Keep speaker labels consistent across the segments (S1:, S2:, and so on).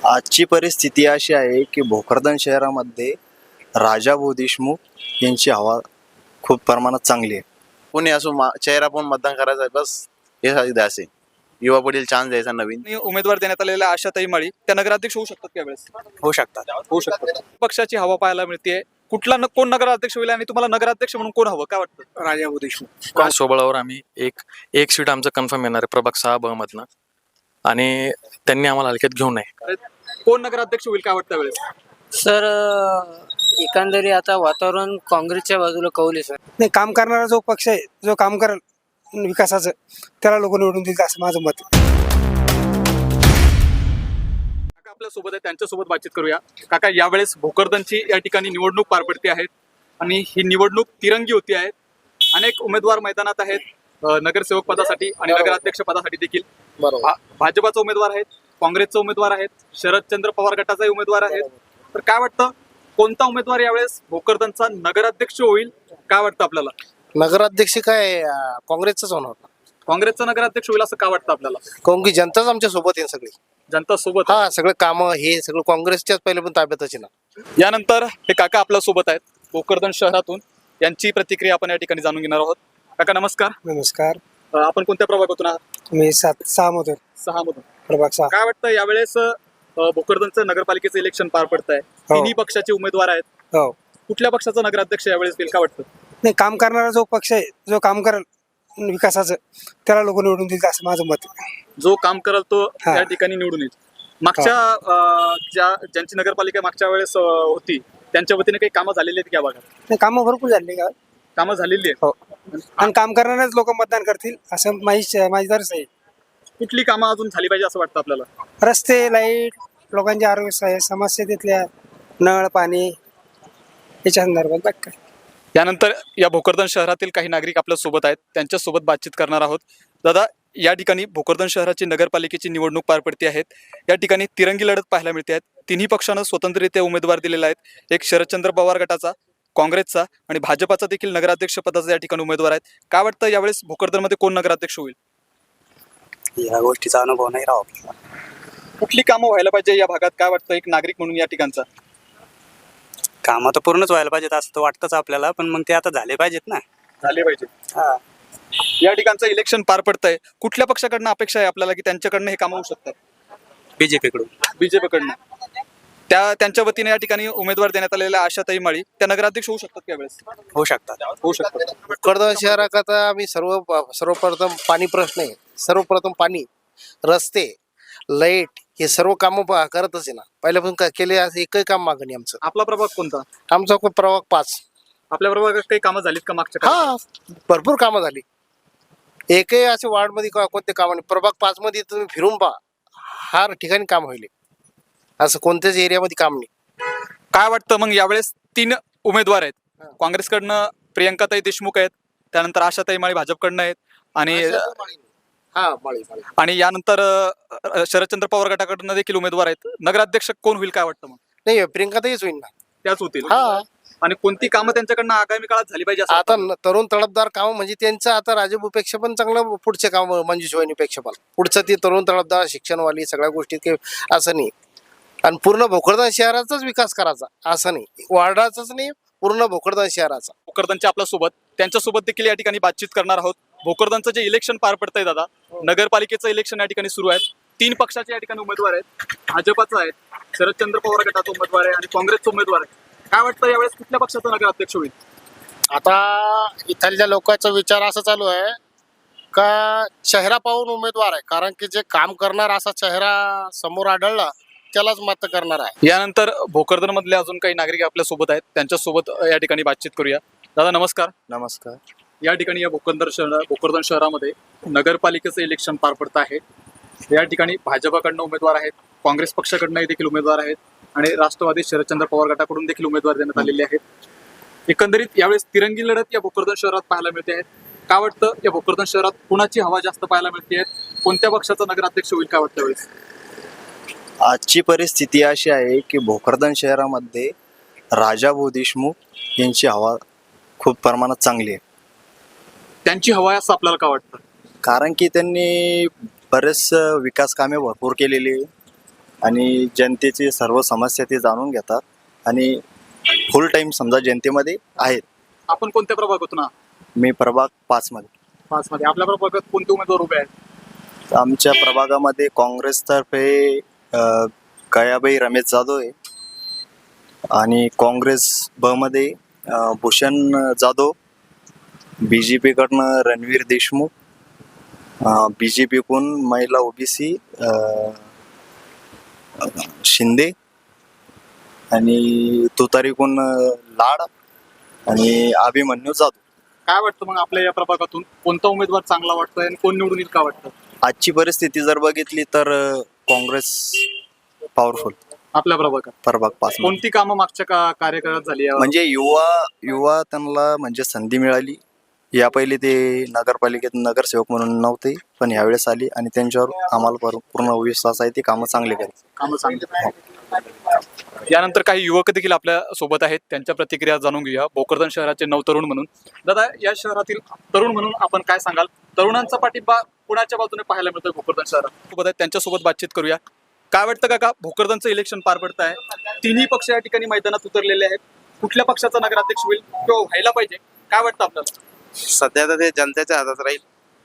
S1: आजची परिस्थिती अशी आहे की भोकरदन शहरामध्ये राजाभाऊ देशमुख यांची हवा खूप प्रमाणात चांगली आहे.
S2: कोणी असो चेहरा पण मतदान करायचं आहे, बस हे द्यायचे. युवा पुढील चान्स द्यायचा नवीन.
S3: आणि उमेदवार देण्यात आलेल्या आशाताई माळी त्या नगराध्यक्ष होऊ शकतात त्यावेळेस.
S1: होऊ शकतात.
S3: होऊ शकतात. पक्षाची हवा पाहायला मिळते. कोण नगराध्यक्ष होईल आणि तुम्हाला नगराध्यक्ष म्हणून कोण हवं काय वाटतं?
S4: राजाभाऊ देशमुख.
S5: सोबळावर आम्ही एक सीट आमचं कन्फर्म येणार आहे प्रभाग 6 ब मधनं, आणि त्यांनी आम्हाला हलक्यात घेऊ नये.
S3: कोण नगराध्यक्ष होईल काय वाटतं त्यावेळेस?
S6: सर एकंदरीत आता वातावरण काँग्रेसच्या बाजूला कौल आहे सर.
S4: नाही, काम करणारा जो पक्ष आहे, जो काम करेल विकासाचं, त्याला लोक निवडून देतील असं माझं मत आहे.
S3: काका आपल्या सोबत आहे, त्यांच्यासोबत बातचीत करूया. काका, यावेळेस भोकरदनची या ठिकाणी निवडणूक पार पडते आहेत आणि ही निवडणूक तिरंगी होती आहे. अनेक उमेदवार मैदानात आहेत, नगरसेवक पदासाठी आणि नगराध्यक्ष पदासाठी देखील. भाजपाचा उमेदवार आहेत, काँग्रेसचा उमेदवार आहेत, शरदचंद्र पवार गटाचाही उमेदवार आहेत. तर काय वाटतं, कोणता उमेदवार यावेळेस भोकरदनचा नगराध्यक्ष होईल काय वाटतं आपल्याला?
S7: नगराध्यक्ष काय काँग्रेसच होणार.
S3: काँग्रेसचा नगराध्यक्ष होईल असं का वाटतं आपल्याला?
S7: काऊन की जनताच आमच्या सोबत आहे सगळी.
S3: जनता सोबत.
S7: हा, सगळं काम हे सगळं काँग्रेसच्याच पहिले पण ताब्यातच आहे ना.
S3: यानंतर हे काका आपल्या सोबत आहेत भोकरदन शहरातून, यांची प्रतिक्रिया आपण या ठिकाणी जाणून घेणार आहोत. काका नमस्कार.
S4: नमस्कार.
S3: आपण कोणत्या प्रभागातून आहात?
S4: मी 6 मधून.
S3: 6 मधून.
S4: प्रभाग 6.
S3: काय वाटतं यावेळेस भोकरदनचं नगरपालिकेचं इलेक्शन पार पडत आहे, तिन्ही पक्षाचे उमेदवार आहेत.
S4: हो.
S3: कुठल्या पक्षाचा नगराध्यक्ष यावेळेस होईल काय वाटतं?
S4: नाही, काम करणारा जो पक्ष आहे, जो काम करेल विकासाचं, त्याला लोक निवडून देतील असं माझं मत आहे.
S3: जो काम करेल तो
S4: हा.
S3: त्या ठिकाणी निवडून येईल. मागच्या ज्यांची नगरपालिका मागच्या वेळेस होती त्यांच्या वतीने काही कामं झालेली आहेत या भागात?
S4: नाही, कामं भरपूर झाली का?
S3: कामं झालेली आहेत.
S4: हो. आणि काम करणारेच लोक मतदान करतील असं माझी दर्श आहे.
S3: कुठली कामं अजून झाली पाहिजे असं वाटतं आपल्याला?
S4: रस्ते, लाईट, लोकांच्या आरोग्य समस्या, तिथल्या नळ पाणी याच्या संदर्भात बाकी काय.
S3: यानंतर या भोकरदन शहरातील काही नागरिक आपल्या सोबत आहेत, त्यांच्यासोबत बातचीत करणार आहोत. दादा, या ठिकाणी भोकरदन शहराची नगरपालिकेची निवडणूक पार पडते आहेत. या ठिकाणी तिरंगी लढत पाहायला मिळते आहेत. तिन्ही पक्षानं स्वतंत्ररित्या उमेदवार दिलेला आहेत. एक शरदचंद्र पवार गटाचा, काँग्रेसचा आणि भाजपाचा देखील नगराध्यक्ष पदाचा या ठिकाणी उमेदवार आहेत. काय वाटतं यावेळेस भोकरदनमध्ये कोण नगराध्यक्ष होईल?
S1: या गोष्टीचा अनुभव नाही राहू आपल्याला.
S3: कुठली कामं व्हायला पाहिजे या भागात काय वाटतं एक नागरिक म्हणून या ठिकाणचा?
S1: कामं तर पूर्णच व्हायला पाहिजेत असं तर वाटतंच आपल्याला, पण मग ते आता झाले पाहिजेत ना.
S3: झाले पाहिजे. या ठिकाणचं इलेक्शन पार पडतंय, कुठल्या पक्षाकडनं अपेक्षा आहे आपल्याला की त्यांच्याकडनं हे कामं होऊ शकतात?
S1: बीजेपी कडून.
S3: बीजेपीकडनं. त्यांच्या वतीने या ठिकाणी उमेदवार देण्यात आलेल्या आशाताई माळी त्या नगराध्यक्ष होऊ शकतात त्यावेळेस?
S1: होऊ शकतात.
S3: होऊ शकतात.
S7: भोकरदन शहराकरता आम्ही सर्वप्रथम पाणी प्रश्न आहे. सर्वप्रथम पाणी, रस्ते, लाईट हे सर्व कामं करतच आहे ना. पहिल्यापासून केले असं एकही काम मागणी आमचं.
S3: आपला प्रभाग कोणता?
S7: आमचा प्रभाग 5.
S3: आपल्या प्रभागात काही कामं झालीत का मागच्या काळात?
S7: हा, भरपूर कामं झाली. एकही असे वार्डमध्ये कोणते काम नाही. प्रभाग 5 मध्ये तुम्ही फिरून पहा, हर ठिकाणी काम होईल. असं कोणत्याच एरियामध्ये काम नाही.
S3: काय वाटतं मग यावेळेस 3 उमेदवार आहेत. काँग्रेसकडनं प्रियंकाताई देशमुख आहेत, त्यानंतर आशाताई माळी भाजपकडनं आहेत आणि यानंतर शरदचंद्र पवार गटाकडनं देखील उमेदवार आहेत. नगराध्यक्ष कोण होईल काय वाटतं मग?
S7: नाही, प्रियंकाताईच होईल ना.
S3: त्याच होतील.
S7: हा.
S3: आणि कोणती कामं त्यांच्याकडनं आगामी काळात झाली पाहिजे असं
S7: आता तरुण तळपदार काम म्हणजे त्यांचं आता राजूपेक्षा पण चांगलं पुढचे काम, मंजुष वहिनीपेक्षा पण पुढचं ती तरुण तळपदार शिक्षणवाली सगळ्या गोष्टी काही असं नाही. आणि पूर्ण भोकरदन शहराचाच विकास करायचा असं नाही, वार्डाचाच नाही, पूर्ण भोकरदन शहराचा.
S3: भोकरदनच्या आपल्या सोबत त्यांच्यासोबत देखील या ठिकाणी बातचीत करणार आहोत. भोकरदनचं जे इलेक्शन पार पडतंय दादा, नगरपालिकेचं इलेक्शन या ठिकाणी सुरू आहे. 3 पक्षाचे या ठिकाणी उमेदवार आहेत. भाजपाचा आहे, शरदचंद्र पवार गटाचा उमेदवार आहे आणि काँग्रेसचा उमेदवार आहे. काय वाटतं यावेळेस कुठल्या पक्षाचा नगराध्यक्ष होईल?
S8: आता इथल्या लोकांचा विचार असा चालू आहे का चेहरा पाहून उमेदवार आहे, कारण की जे काम करणार असा चेहरा समोर आढळला त्यालाच मत करणार आहे.
S3: यानंतर भोकरदन मधले अजून काही नागरिक आपल्या सोबत आहेत, त्यांच्यासोबत या ठिकाणी बातचीत करूया. दादा नमस्कार.
S1: नमस्कार.
S3: या ठिकाणी या भोकरदन शहरामध्ये नगरपालिकेचं इलेक्शन पार पडत आहे. या ठिकाणी भाजपाकडनं उमेदवार आहेत, काँग्रेस पक्षाकडनंही देखील उमेदवार आहेत आणि राष्ट्रवादी शरदचंद्र पवार गटाकडून देखील उमेदवार देण्यात आलेले आहेत. एकंदरीत यावेळेस तिरंगी लढत या भोकरदन शहरात पाहायला मिळते आहेत. काय वाटतं या भोकरदन शहरात कुणाची हवा जास्त पाहायला मिळते आहे? कोणत्या पक्षाचा नगराध्यक्ष होईल काय वाटतं यावेळेस?
S1: आजची परिस्थिती अशी आहे की भोकरदन शहरामध्ये राजाभाऊ देशमुख यांची हवा खूप प्रमाणात चांगली आहे.
S3: त्यांची हवा आहे असं आपल्याला का वाटतं?
S1: कारण की त्यांनी बरेच विकास कामे भरपूर केलेली आणि जनतेची सर्व समस्या ते जाणून घेतात आणि फुल टाइम समजा जनतेमध्ये आहेत.
S3: आपण कोणत्या प्रभागातून आहात?
S1: मी प्रभाग 5 मध्ये.
S3: 5 मध्ये. आपल्या प्रभागात कोणते उमेदवार उभे आहेत?
S1: आमच्या प्रभागामध्ये काँग्रेसतर्फे गयाबाई रमेश जाधव आहे आणि काँग्रेस ब मध्ये भूषण जाधव, BJP कडनं रणवीर देशमुख, BJP कडून महिला OBC शिंदे आणि तुतारीकडून लाड आणि अभिमन्यू जाधव.
S3: काय वाटतं मग आपल्या या प्रभागातून कोणता उमेदवार चांगला वाटतोय आणि कोण निवडून येईल का वाटतं?
S1: आजची परिस्थिती जर बघितली तर काँग्रेस पॉवरफुल.
S3: आपल्या प्रभागात
S1: प्रभाग 5 मध्ये.
S3: कोणती कामं मागच्या कार्यकाळात झाली आहे?
S1: म्हणजे युवा त्यांना म्हणजे संधी मिळाली. या पहिले ते नगरपालिकेत नगरसेवक म्हणून नव्हते, पण यावेळेस आली आणि त्यांच्यावर आम्हाला पूर्ण विश्वास आहे. ते कामं चांगले करतात.
S3: कामं चांगली. यानंतर काही युवक देखील आपल्या सोबत आहेत, त्यांच्या प्रतिक्रिया जाणून घेऊया. भोकरदन शहराचे नवतरुण म्हणून दादा, या शहरातील तरुण म्हणून आपण काय सांगाल? तरुणांचा पाठिंबा कुणाच्या बाजूने पाहायला मिळतोय भोकरदन शहरात? सोबत आहेत, त्यांच्यासोबत बातचीत करूया. काय वाटतं काका, भोकरदनचं इलेक्शन पार पडत आहे, तिन्ही पक्ष या ठिकाणी मैदानात उतरलेले आहेत. कुठल्या पक्षाचा नगराध्यक्ष होईल किंवा व्हायला पाहिजे, काय वाटतं आपल्याला?
S2: सध्या तर ते जनतेच्या हातात राहील.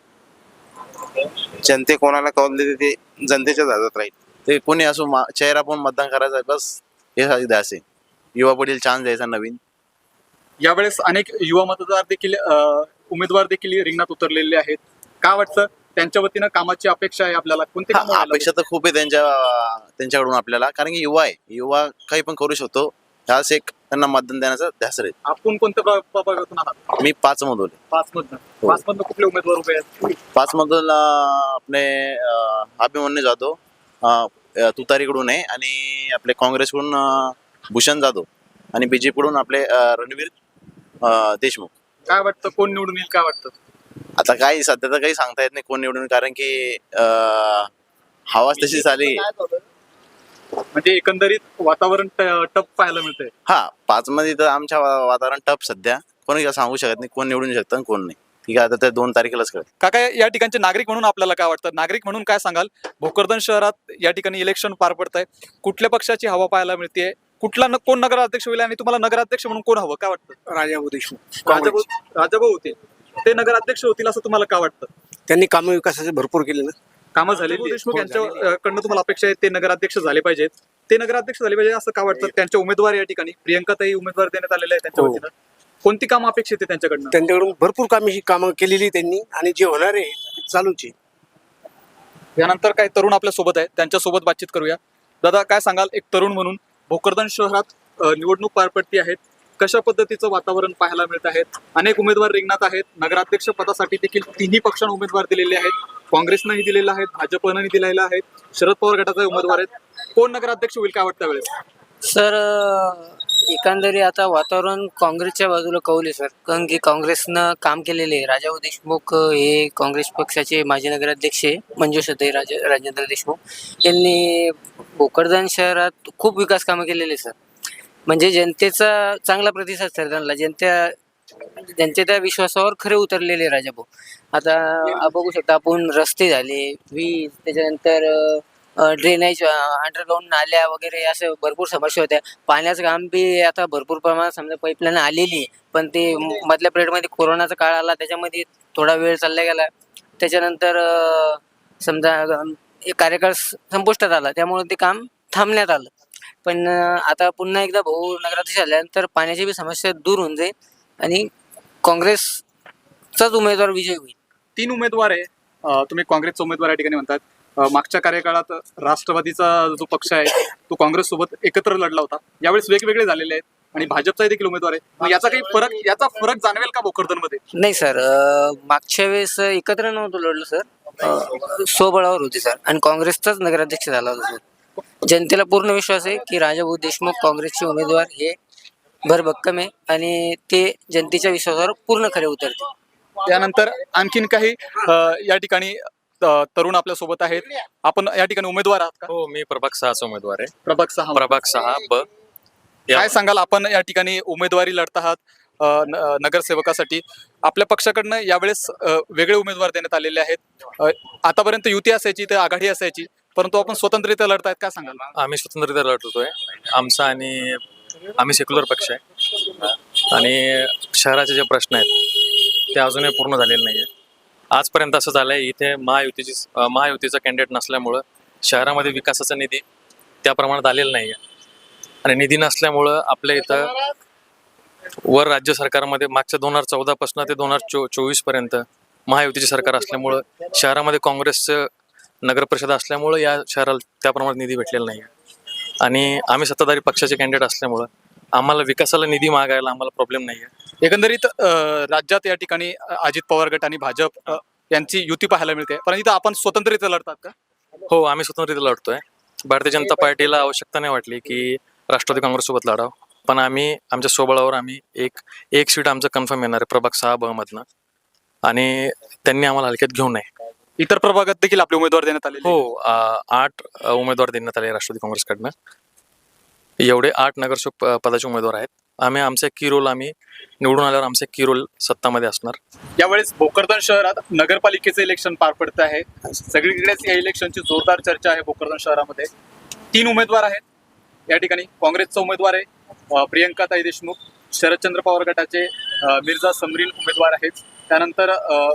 S2: जनते कोणाला कौल देते ते जनतेच्याच हातात राहील. ते कोणी असो चेहरा पाहून मतदान करायचं आहे, बस हे असे युवा पिढीला चान्स द्यायचा नवीन.
S3: यावेळेस अनेक युवा मतदार देखील उमेदवार देखील रिंगणात उतरलेले आहेत. काय वाटतं त्यांच्या वतीनं कामाची अपेक्षा आहे आपल्याला? कोणती कामं व्हायला
S2: अपेक्षा तर खूप आहे त्यांच्याकडून आपल्याला, कारण की युवा आहे, युवा काही पण करू शकतो. ह्याच एक त्यांना मतदान देण्याचा ध्यास राहील.
S3: आपण कोणत्या प्रभागातून आहात?
S2: मी 5 मधून.
S3: 5 मधनं. 5 मधनं कुठले उमेदवार उभे आहेत?
S2: 5 मधून आपले अभिमन्यू जाधव तुतारीकडून आहे आणि आपले काँग्रेसकडून भूषण जाधव आणि BJP कडून आपले रणवीर देशमुख.
S3: काय वाटतं कोण निवडून येईल, काय वाटतं?
S2: आता काही सध्या तर काही सांगता येत नाही कोण निवडून, कारण की हवाच तशी झाली.
S3: म्हणजे एकंदरीत वातावरण टप पाहायला मिळतंय.
S2: 5 मध्ये तर आमच्या वातावरण टप सध्या. कोणी सांगू शकत नाही कोण निवडून शकतं आणि कोण नाही. ठीक आहे, आता त्या 2 तारखेलाच कळत.
S3: काका, या ठिकाणचे नागरिक म्हणून आपल्याला काय वाटतं? नागरिक म्हणून काय सांगाल? भोकरदन शहरात या ठिकाणी इलेक्शन पार पडत आहे, कुठल्या पक्षाची हवा पाहायला मिळते, कोण नगराध्यक्ष होईल आणि तुम्हाला नगराध्यक्ष म्हणून कोण हवं, काय वाटतं?
S4: राजाभाऊ देशमुख.
S3: राजाभाऊ होते, ते नगराध्यक्ष होतील असं तुम्हाला काय वाटतं?
S4: त्यांनी कामं विकासाचे भरपूर केले ना.
S3: कामं झालेली देशमुख यांच्याकडनं तुम्हाला अपेक्षा आहे ते नगराध्यक्ष झाले पाहिजेत, ते नगराध्यक्ष झाले पाहिजे असं का वाटतं? त्यांचे उमेदवार या ठिकाणी प्रियंकाताई उमेदवार देण्यात आलेले आहे त्यांच्या वतीनं. कोणती कामं अपेक्षित आहे त्यांच्याकडनं?
S4: त्यांच्याकडून भरपूर कामं केलेली त्यांनी आणि जे होणार आहे चालूच आहे.
S3: यानंतर काही तरुण आपल्या सोबत आहेत, त्यांच्यासोबत बातचीत करूया. दादा, काय सांगाल एक तरुण म्हणून? भोकरदन शहरात निवडणूक पार पडती आहेत, कशा पद्धतीचं वातावरण पाहायला मिळत आहेत? अनेक उमेदवार रिंगणात आहेत. नगराध्यक्ष पदासाठी देखील तिन्ही पक्षांना उमेदवार दिलेले आहेत. काँग्रेसनंही दिलेलं आहे, भाजपनंही दिलेलं आहे, शरद पवार गटाचे उमेदवार आहेत. कोण नगराध्यक्ष होईल काय वाटतं वेळेस?
S6: सर एकंदरीत आता वातावरण काँग्रेसच्या बाजूला कौल आहे सर, कारण की काँग्रेसनं काम केलेले आहे. राजाभाऊ देशमुख हे काँग्रेस पक्षाचे माजी नगराध्यक्ष आहे. मंजुषाताई राजेंद्र देशमुख यांनी भोकरदन शहरात खूप विकास कामं केलेले सर. म्हणजे जनतेचा चांगला प्रतिसाद सर त्यांना, त्यांच्या त्या विश्वासावर खरे उतरलेले राजाभाऊ. आता बघू शकता आपण, रस्ते झाले, वीज, त्याच्यानंतर ड्रेनेज, अंडरग्राऊंड नाल्या वगैरे अशा भरपूर समस्या होत्या. पाण्याचं काम बी आता भरपूर प्रमाणात समजा पाईपलाईन आलेली आहे, पण ते मधल्या पिरियडमध्ये कोरोनाचा काळ आला, त्याच्यामध्ये थोडा वेळ चालला गेला. त्याच्यानंतर समजा कार्यकाळ संपुष्टात आला, त्यामुळे ते काम थांबण्यात आलं. पण आता पुन्हा एकदा भाऊ नगराध्यक्ष झाल्यानंतर पाण्याची बी समस्या दूर होऊन जाईल आणि काँग्रेसचाच उमेदवार विजय होईल.
S3: 3 उमेदवार आहे, तुम्ही काँग्रेसचा उमेदवार या ठिकाणी म्हणतात. मागच्या कार्यकाळात राष्ट्रवादीचा जो पक्ष आहे तो काँग्रेस सोबत एकत्र लढला होता, यावेळेस वेगवेगळे झालेले आहेत आणि भाजपचा देखील उमेदवार आहे. मग याचा फरक जाणवेल का भोकरदन मध्ये?
S6: नाही सर, मागच्या वेळेस एकत्र नव्हतं लढलं सर, स्वबळावर होते सर आणि काँग्रेसचाच नगराध्यक्ष झाला होता सर. जनतेला पूर्ण विश्वास आहे की राजाभाऊ देशमुख काँग्रेसचे उमेदवार हे भरभक्कम आहे आणि ते जनतेच्या विश्वासावर पूर्ण खरे उतरते.
S3: त्यानंतर आणखीन काही या ठिकाणी तरुण आपल्या सोबत आहेत. आपण या ठिकाणी उमेदवार आहात का?
S5: हो, मी प्रभाग 6चा उमेदवार आहे.
S3: प्रभाग 6.
S5: प्रभाग 6 ब.
S3: काय सांगाल, आपण या ठिकाणी उमेदवारी लढत आहात नगरसेवकासाठी. आपल्या पक्षाकडनं यावेळेस वेगळे उमेदवार देण्यात आलेले आहेत. आतापर्यंत युती असायची तर आघाडी असायची, परंतु आपण स्वतंत्ररित्या लढतायत, काय सांगाल?
S5: आम्ही स्वतंत्ररित्या लढतोय. आमचा आणि आम्ही सेक्युलर पक्ष आहे आणि शहराचे जे प्रश्न आहेत ते अजूनही पूर्ण झालेले नाही आहे. आजपर्यंत असं झालं आहे, इथे महायुतीचा कॅन्डिडेट नसल्यामुळं शहरामध्ये विकासाचा निधी त्या प्रमाणात आलेला नाही आहे आणि निधी नसल्यामुळं आपल्या इथं वर राज्य सरकारमध्ये मागच्या 2014 पासून ते 2024 पर्यंत महायुतीचे सरकार असल्यामुळं शहरामध्ये काँग्रेसचं नगरपरिषद असल्यामुळं या शहराला त्या प्रमाणात निधी भेटलेला नाही आहे आणि आम्ही सत्ताधारी पक्षाचे कॅन्डिडेट असल्यामुळं आम्हाला विकासाला निधी मागायला आम्हाला प्रॉब्लेम नाही आहे.
S3: एकंदरीत राज्यात या ठिकाणी अजित पवार गट आणि भाजप यांची युती पाहायला मिळते, परंतु इथं आपण स्वतंत्ररित्या लढतात का?
S5: हो, आम्ही स्वतंत्ररित्या लढतोय. भारतीय जनता पार्टीला आवश्यकता नाही वाटली की राष्ट्रवादी काँग्रेससोबत लढावं, पण आम्ही आमच्या स्वबळावर आम्ही एक सीट आमचं कन्फर्म येणार आहे प्रभाग 6 ब मधनं आणि त्यांनी आम्हाला हलक्यात घेऊ नये.
S3: इतर प्रभागात देखील आपले उमेदवार देण्यात आले.
S5: हो, 8 उमेदवार देण्यात आले राष्ट्रवादी काँग्रेसकडनं. एवढे 8 नगरसेवक पदाचे उमेदवार आहेत. आमचा की रोल आम्ही निवडून आल्यावर आमचा की रोल सत्तामध्ये असणार.
S3: यावेळेस भोकरदन शहरात नगरपालिकेचं इलेक्शन पार पडत आहे. सगळीकडेच या इलेक्शनची जोरदार चर्चा आहे. भोकरदन शहरामध्ये 3 उमेदवार आहेत. या ठिकाणी काँग्रेसचा उमेदवार आहे प्रियंकाताई देशमुख, शरदचंद्र पवार गटाचे मिर्झा समरीन उमेदवार आहेत. त्यानंतर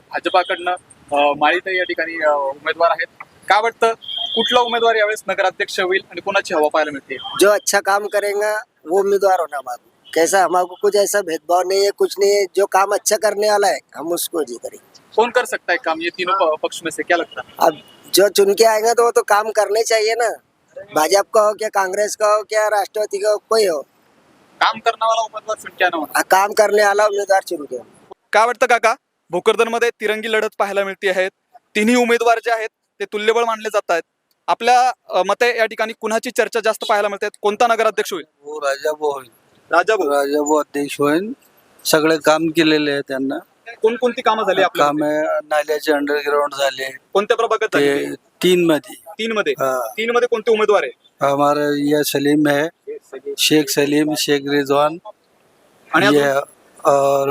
S3: भाजपाकडनं माळीताई या ठिकाणी उमेदवार आहेत. काय वाटतं, कुठला उमेदवार यावेळेस नगराध्यक्ष होईल आणि कोणाची हवा पाहायला मिळते?
S9: जो अच्छा काम करेगा वो उम्मीदवार होना हमारा। कैसा हमारे कुछ ऐसा भेदभाव नहीं है, कुछ नहीं है। जो काम अच्छा करने वाला है हम उसको जी करेंगे।
S3: कौन कर सकता है काम ये तीनों पक्ष में से, क्या लगता है?
S9: अब जो चुन के आएगा तो वो तो काम करने चाहिए ना, भाजपा का हो क्या कांग्रेस का हो क्या राष्ट्रवादी का हो, कोई हो,
S3: काम करने वाला उमेदवार चुन के आना होना.
S9: काम करने वाला उम्मीदवार चुन के।
S3: काय वाटतं काका, भोकरदनमध्ये तिरंगी लढत पाहायला मिळते आहेत. तिन्ही उमेदवार जे आहेत ते तुल्यबळ मानले जात आहेत. आपल्या मते या ठिकाणी कुणाची चर्चा जास्त पाहायला मिळते? कोणता नगराध्यक्ष होईल?
S10: हो, राजाभाऊ होईल.
S3: राजाभाऊ.
S10: अध्यक्ष होईल. सगळे काम केलेले आहे त्यांना.
S3: कोणकोणती कामं झाली आपल्या
S10: काम नाल्याचे अंडरग्राउंड झाले
S3: कोणत्या प्रभागात
S10: ते
S3: झाली?
S10: 3 मध्ये.
S3: 3 मध्ये कोणते उमेदवार आहे?
S10: हमारा ये सलीम है, शेख सलीम, शेख रिजवान
S3: आणि
S10: ये
S3: अजून?
S10: और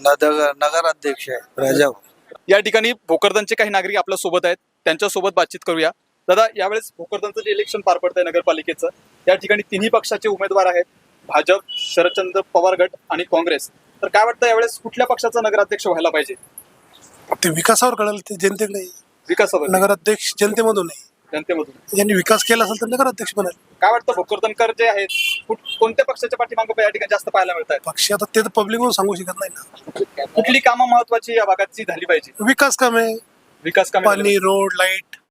S10: नगर अध्यक्ष है राजाभाऊ.
S3: या ठिकाणी भोकरदनचे काही नागरिक आपल्या सोबत आहेत, त्यांच्या सोबत बातचीत करूया. दादा, यावेळेस भोकरदनचं जे इलेक्शन पार पडतंय नगरपालिकेचं, या ठिकाणी तिन्ही पक्षाचे उमेदवार आहेत, भाजप, शरदचंद्र पवार गट आणि काँग्रेस. तर काय वाटतं, यावेळेस कुठल्या पक्षाचा नगराध्यक्ष व्हायला पाहिजे?
S11: ते विकासावर कळेल, ते जनतेकडे.
S3: विकासावर
S11: नगराध्यक्ष जनतेमधून आहे.
S3: जनतेमधून.
S11: ज्यांनी विकास केला असेल तर नगराध्यक्ष बनेल.
S3: काय वाटतं, भोकरदनकर जे आहेत कोणत्या पक्षाच्या पाठीमागे या ठिकाणी जास्त पाहायला मिळत आहेत?
S11: पक्ष आता ते तर पब्लिक म्हणून सांगू शकत नाही ना.
S3: कुठली कामं महत्वाची या भागाची झाली पाहिजे?
S11: विकास काम आहे,
S3: विकास कामे
S11: पाणी, रोड, लाईट,